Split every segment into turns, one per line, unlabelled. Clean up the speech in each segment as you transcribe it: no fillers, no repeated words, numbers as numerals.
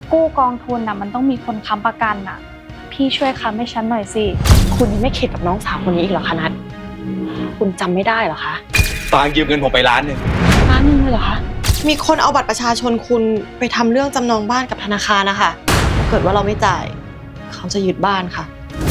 กู้กองทุนน่ะมันต้องมีคนค้ำประกันน่ะพี่ช่วยค้ำให้ฉันหน่อยสิ
คุณยังไม่เข็ดกับน้องสาวคนนี้อีกเหรอคะนัทคุณจำไม่ได้เหรอคะ
ฟางยืมเงินผมไป1,000,000
เลยเหรอคะมีคนเอาบัตรประชาชนคุณไปทำเรื่องจำนองบ้านกับธนาคารนะคะถ้าเกิดว่าเราไม่จ่ายเขาจะยึดบ้านค่ะ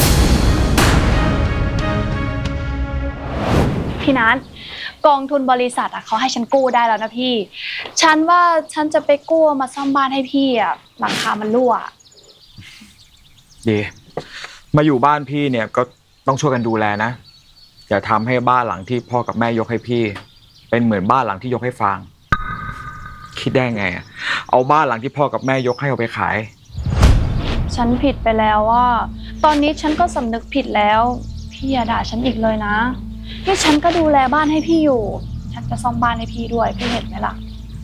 พี่นัทกองทุนบริษัทอ่ะเขาให้ฉันกู้ได้แล้วนะพี่ฉันว่าฉันจะไปกู้มาซ่อมบ้านให้พี่อ่ะหลังคามันรั่ว
ดีมาอยู่บ้านพี่เนี่ยก็ต้องช่วยกันดูแลนะอย่าทำให้บ้านหลังที่พ่อกับแม่ยกให้พี่เป็นเหมือนบ้านหลังที่ยกให้ฟางคิดได้ไงเอาบ้านหลังที่พ่อกับแม่ยกให้เอาไปขาย
ฉันผิดไปแล้วว่าตอนนี้ฉันก็สำนึกผิดแล้วพี่อย่าด่าฉันอีกเลยนะนี่ฉันก็ดูแลบ้านให้พี่อยู่ฉันจะซ่อมบ้านให้พี่ด้วยพี่เห็นไหมล่ะ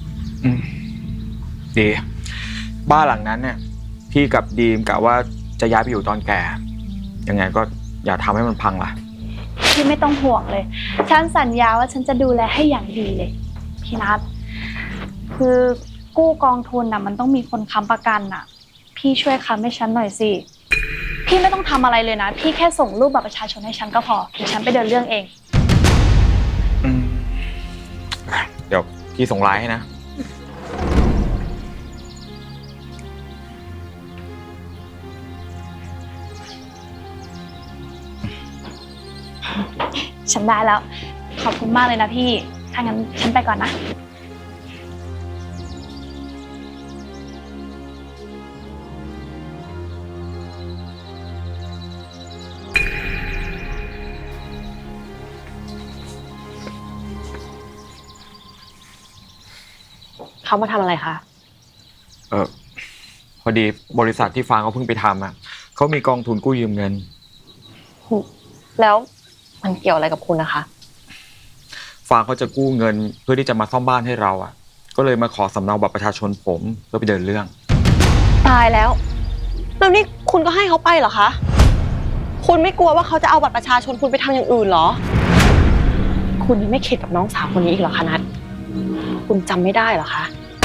ดีบ้านหลังนั้นเนี่ยพี่กับดีมกะว่าจะย้ายไปอยู่ตอนแก่ยังไงก็อย่าทำให้มันพังล่ะ
พี่ไม่ต้องห่วงเลยฉันสัญญาว่าฉันจะดูแลให้อย่างดีเลยพี่นัทคือกู้กองทุนน่ะมันต้องมีคนค้ำประกันน่ะพี่ช่วยค้ำให้ฉันหน่อยสิพี่ไม่ต้องทำอะไรเลยนะพี่แค่ส่งรูปบัตรประชาชนให้ฉันก็พอเดี๋ยวฉันไปเดินเรื่องเอง
เดี๋ยวพี่ส่งไลน์ให้นะ
ฉันได้แล้วขอบคุณมากเลยนะพี่ถ้างั้นฉันไปก่อนนะ
เขามาทำอะไรคะ
พอดีบริษัทที่ฟางเขาเพิ่งไปทำเขามีกองทุนกู้ยืมเงิน
แล้วมันเกี่ยวอะไรกับคุณนะคะ
ฟางเขาจะกู้เงินเพื่อที่จะมาซ่อมบ้านให้เราก็เลยมาขอสำเนาบัตรประชาชนผมเพื่อไปเดินเรื่อง
ตายแล้วนี่คุณก็ให้เขาไปเหรอคะคุณไม่กลัวว่าเขาจะเอาบัตรประชาชนคุณไปทำอย่างอื่นเหรอคุณยังไม่เข็ดกับน้องสาวคนนี้อีกเหรอคะนัทคุณจำไม่ได้เหรอคะ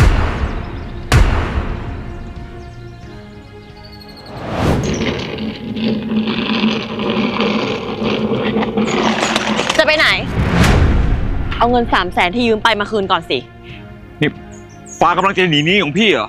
จะไปไหนเอาเงิน300,000ที่ยืมไปมาคืนก่อนสิ
นี่ฟ้ากำลังจะหนีหนี้ของพี่เหรอ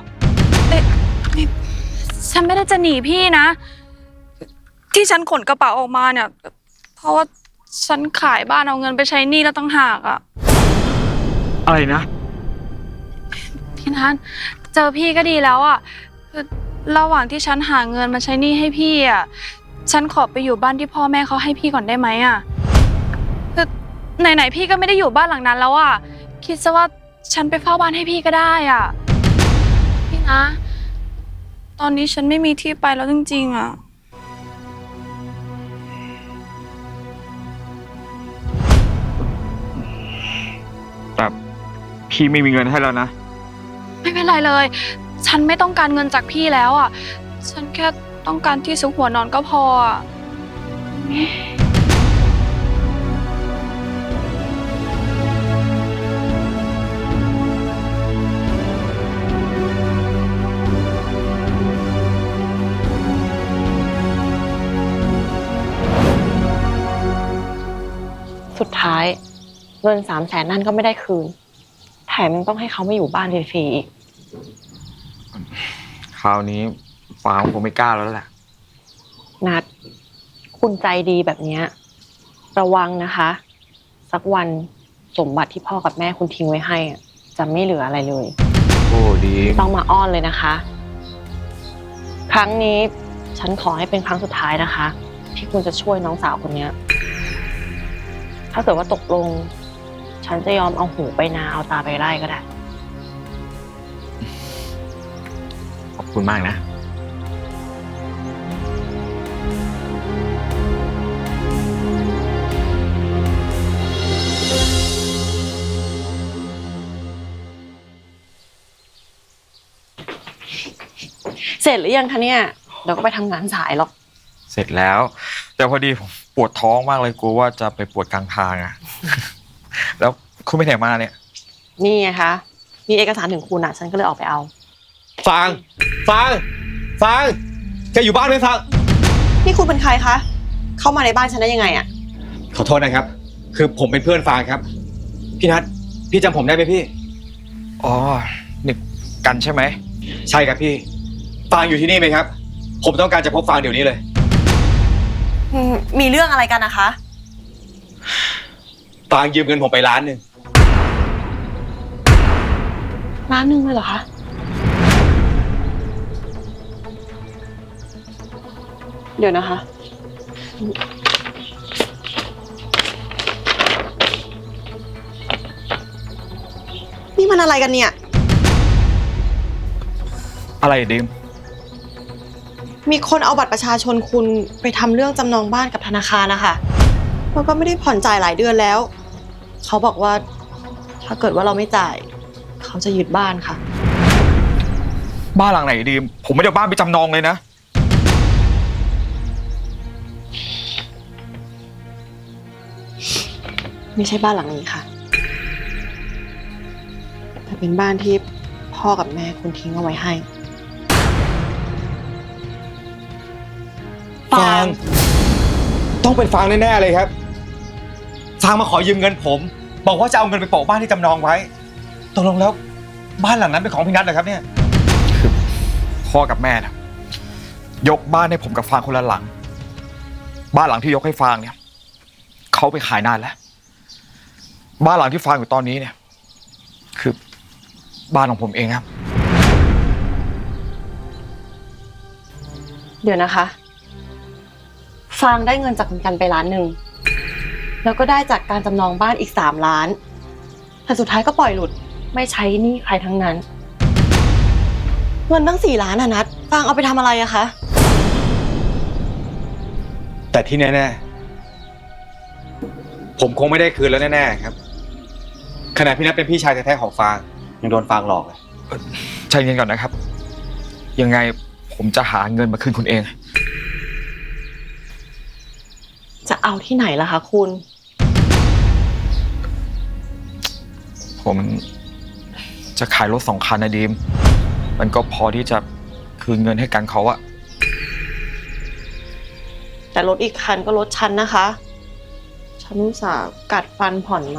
ฉันไม่ได้จะหนีพี่นะที่ฉันขนกระเป๋าออกมาเนี่ยเพราะว่าฉันขายบ้านเอาเงินไปใช้หนี้แล้วตั้งหาก
อะไรนะ
พี่นัทเจอพี่ก็ดีแล้วคือระหว่างที่ฉันหาเงินมาใช้หนี้ให้พี่ฉันขอไปอยู่บ้านที่พ่อแม่เขาให้พี่ก่อนได้ไหมคือไหนๆพี่ก็ไม่ได้อยู่บ้านหลังนั้นแล้วคิดซะว่าฉันไปเฝ้าบ้านให้พี่ก็ได้พี่นะตอนนี้ฉันไม่มีที่ไปแล้วจริงๆ
แต่พี่ไม่มีเงินให้แล้วนะ
ไม่เป็นไรเลยฉันไม่ต้องการเงินจากพี่แล้วฉันแค่ต้องการที่ซุกหัวนอนก็พอ
สุดท้ายเงิน300,000นั่นก็ไม่ได้คืนแถมยังต้องให้เขามาอยู่บ้านฟรีๆอีก
คราวนี้ฟางคงไม่กล้าแล้วแหละ
นัดคุณใจดีแบบนี้ระวังนะคะสักวันสมบัติที่พ่อกับแม่คุณทิ้งไว้ให้จะไม่เหลืออะไรเลย
โอ้ดี
ต้องมาอ้อนเลยนะคะครั้งนี้ฉันขอให้เป็นครั้งสุดท้ายนะคะที่คุณจะช่วยน้องสาวคนนี้ถ้าเกิดว่าตกลงฉันจะยอมเอาหูไปนาเอาตาไปไร่ก็ได้
ขอบคุณมากนะ
เสร็จหรือยังคะเนี่ยเดี๋ยวก็ไปทำงานสายหรอก
เสร็จแล้วแต่พอดีผมปวดท้องมากเลยกลัวว่าจะไปปวดกลางทางแล้วคุณไปไหนมาเนี่ย
นี่ไงคะมีเอกสารถึงคุณฉันก็เลยออกไปเอา
ฟางฟางฟางแกอยู่บ้านไหมฟาง
นี่คุณเป็นใครคะ เข้ามาในบ้านฉันได้ยังไงอะ
ขอโทษนะครับ คือผมเป็นเพื่อนฟางครับ พี่นัทพี่จำผมได้ไหมพี่
อ๋อนี่กันใช่ไหม
ใช่ครับพี่ ฟางอยู่ที่นี่ไหมครับ ผมต้องการจะพบฟางเดี๋ยวนี้เลย
มีเรื่องอะไรกันนะคะ
ฟางยืมเงินผมไป1,000,000
1,000,000เลยเหรอคะ เดี๋ยวนะคะ นี่มันอะไรกันเนี่ย
อะไรดิม
มีคนเอาบัตรประชาชนคุณไปทำเรื่องจำนองบ้านกับธนาคารนะคะแล้วก็ไม่ได้ผ่อนจ่ายหลายเดือนแล้ว เขาบอกว่าถ้าเกิดว่าเราไม่จ่าย เขาจะยึดบ้านค่ะ
บ้านหลังไหนดิมผมไม่ได้เอาบ้านไปจำนองเลยนะ
ไม่ใช่บ้านหลังนี้ค่ะ แต่เป็นบ้านที่พ่อกับแม่คุณทิ้งเอาไว้ให้
ฟางต้องเป็นฟางแน่ๆเลยครับ ฟางมาขอยืมเงินผม บอกว่าจะเอาเงินไปโปะบ้านที่จำนองไว้ตกลงแล้วบ้านหลังนั้นเป็นของพี่นัทเหรอครับเนี่ย
คือพ่อกับแม่นะยกบ้านให้ผมกับฟางคนละหลัง บ้านหลังที่ยกให้ฟางเนี่ยเขาไปขายนานแล้ว บ้านหลังที่ฟางอยู่ตอนนี้เนี่ย คือบ้านของผมเองครับ
เดี๋ยวนะคะ ฟางได้เงินจากคุณกันไป1,000,000แล้วก็ได้จากการจำนองบ้านอีก3,000,000แต่สุดท้ายก็ปล่อยหลุดไม่ใช้หนี้ใครทั้งนั้น เงินตั้ง4,000,000อะนัทฟางเอาไปทำอะไรอะคะ
แต่ที่แน่ๆผมคงไม่ได้คืนแล้วแน่ๆครับขณะพี่นัทเป็นพี่ชายแท้ๆของฟางยังโดนฟางหลอกเลย
ใจเย็นก่อนนะครับ ยังไงผมจะหาเงินมาคืนคุณเอง
จะเอาที่ไหนล่ะคะคุณ
ผมจะขายรถ2 คันนะดีม มันก็พอที่จะคืนเงินให้กันเขาอะ
แต่รถอีกคันก็รถฉันนะคะ ฉันอุตส่าห์กัดฟันผ่อนมา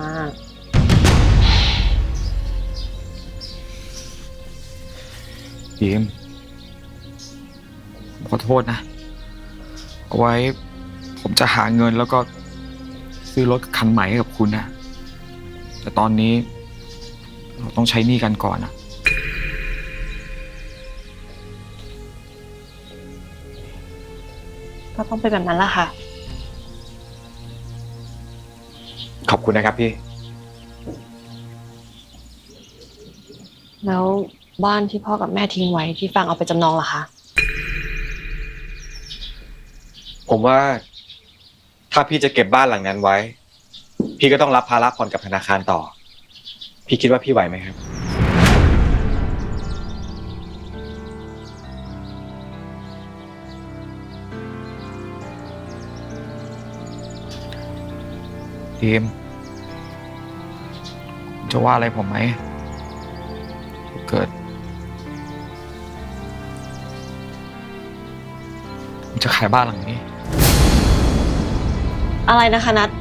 ดีมผมขอโทษนะ เอาไว้ผมจะหาเงินแล้วก็ซื้อรถคันใหม่ให้กับคุณนะ แต่ตอนนี้เราต้องใช้หนี้กันก่อนนะ
ก็ต้องเป็นแบบนั้นละค่ะ
ขอบคุณนะครับพี่
แล้วบ้านที่พ่อกับแม่ทิ้งไว้ที่ฟางเอาไปจำนองล่ะคะ
ผมว่าถ้าพี่จะเก็บบ้านหลังนั้นไว้ พี่ก็ต้องรับภาระผ่อนกับธนาคารต่อ พี่คิดว่าพี่ไหวไหมครับ
ดีมคุณจะว่าอะไรผมไหมถ้าเกิดผมจะขายบ้านหลังนี้
อะไรนะคะนัท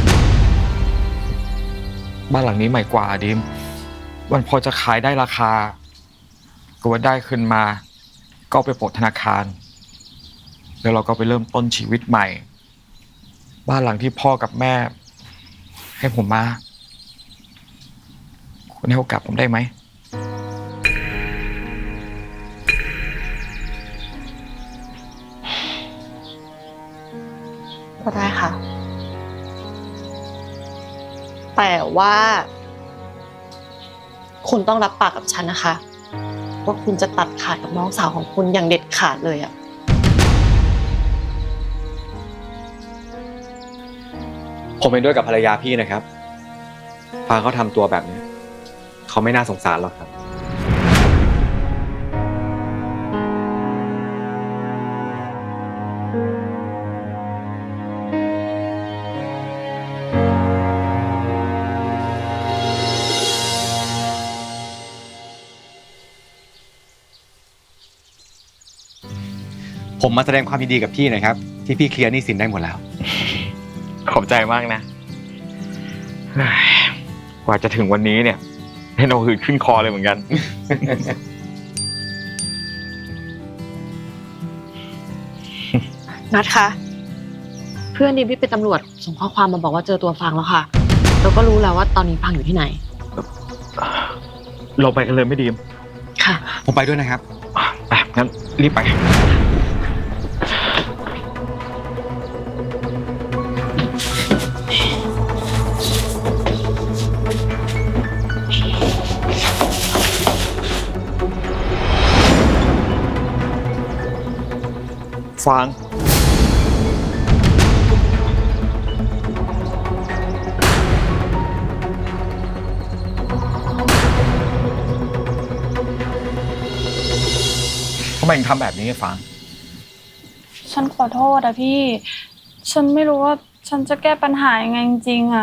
บ้านหลังนี้ใหม่กว่าดิมมันพอจะขายได้ราคา ก็ว่าได้ขึ้นมา ก็ไปโปะธนาคาร แล้วเราก็ไปเริ่มต้นชีวิตใหม่ บ้านหลังที่พ่อกับแม่ ให้ผมมา คุณให้โอกาสผมได้ไหม
ก็ได้ค่ะ แต่ว่า คุณต้องรับปากกับฉันนะคะ ว่าคุณจะตัดขาดกับน้องสาวของคุณอย่างเด็ดขาดเลยอะ
ผมเป็นด้วยกับภรรยาพี่นะครับ ฟางเขาทำตัวแบบนี้ เขาไม่น่าสงสารหรอกครับผมมาแสดงความยินดีกับพี่หน่อยครับ ที่พี่เคลียร์หนี้สินได้หมดแล้ว
ขอบใจมากนะเฮ้ยกว่าจะถึงวันนี้เนี่ยเห็นเอาหืดขึ้นคอเลยเหมือนกัน
นัดคะเพื่อนดิมที่เป็นตำรวจส่งข้อความมาบอกว่าเจอตัวฟางแล้วค่ะเราก็รู้แล้วว่าตอนนี้ฟางอยู่ที่ไหน
เราไปกันเลยไม่ดีม
ค่ะ
ผมไปด้วยนะครับ
ไปงั้นรีบไป ฟางทำไมถึงทำแบบนี้ฟาง
ฉันขอโทษอะพี่ ฉันไม่รู้ว่าฉันจะแก้ปัญหายังไงจริงๆอะ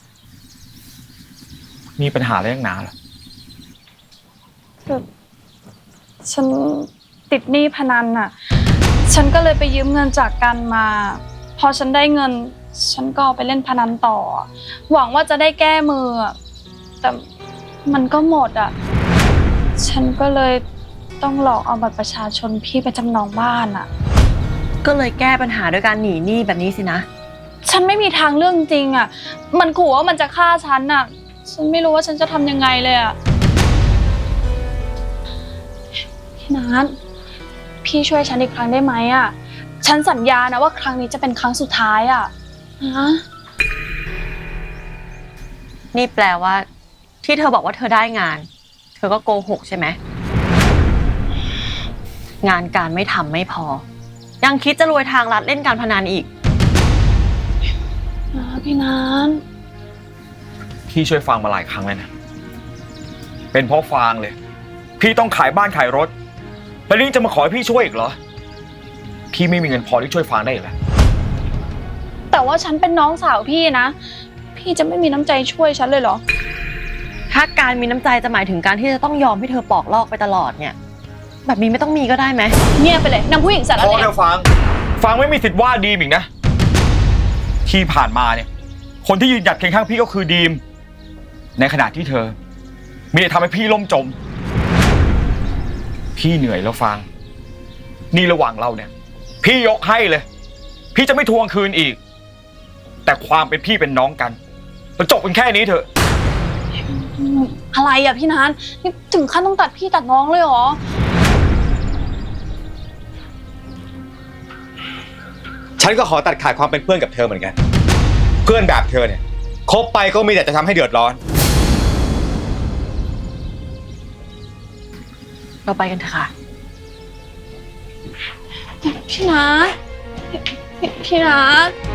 มีปัญหาอะไรนักหนาเหรอ
คือฉันติดหนี้พนันอะฉันก็เลยไปยืมเงินจากกันมา พอฉันได้เงิน ฉันก็เอาไปเล่นพนันต่อ หวังว่าจะได้แก้มืออะแต่มันก็หมดอะฉันก็เลยต้องหลอกเอาบัตรประชาชนพี่ไปจำนองบ้านอะ
ก็เลยแก้ปัญหาด้วยการหนีหนี้แบบนี้สินะ
ฉันไม่มีทางเลือกจริงอะมันขู่ว่ามันจะฆ่าฉันอะฉันไม่รู้ว่าฉันจะทำยังไงเลยอะพี่นัทพี่ช่วยฉันอีกครั้งได้ไหมอะฉันสัญญานะว่าครั้งนี้จะเป็นครั้งสุดท้ายอะนะ
นี่แปลว่า ที่เธอบอกว่าเธอได้งาน เธอก็โกหกใช่ไหมงานการไม่ทำไม่พอ ยังคิดจะรวยทางลัดเล่นการพนันอีก
พี่นัท
พี่ช่วยฟางมาหลายครั้งแล้วนะ เป็นเพราะฟางเลย พี่ต้องขายบ้านขายรถ แล้วนี่จะมาขอให้พี่ช่วยอีกเหรอ พี่ไม่มีเงินพอที่ช่วยฟางได้อีกแล้ว
แต่ว่าฉันเป็นน้องสาวพี่นะพี่จะไม่มีน้ำใจช่วยฉันเลยเหรอ
ถ้าการมีน้ำใจจะหมายถึงการที่จะต้องยอมให้เธอปอกลอกไปตลอดเนี่ย แบบนี้ไม่ต้องมีก็ได้ไหม
เงียบไปเลยนางผู้หญิงสาร
พอ
เล
เธ
ว
อฟางไม่มีสิทธิ์ว่าดีมอีกนะ ที่ผ่านมาเนี่ย คนที่ยืนหยัดเคียงข้างพี่ก็คือดีม ในขณะที่เธอมีแต่ทำให้พี่ล่มจม พี่เหนื่อยแล้วฟาง นี่ระหว่างเราเนี่ย พี่ยกให้เลย พี่จะไม่ทวงคืนอีก แต่ความเป็นพี่เป็นน้องกันมันจบกันแค่นี้เถอะ
อะไรอะพี่นัทนี่ถึงขั้นต้องตัดพี่ตัดน้องเลยเหรอ
ฉันก็ขอตัดขาดความเป็นเพื่อนกับเธอเหมือนกัน เพื่อนแบบเธอเนี่ยคบไปก็มีแต่จะทำให้เดือดร้อน
เราไปกันเถอะค่ะ
พี่นัทพี่นัท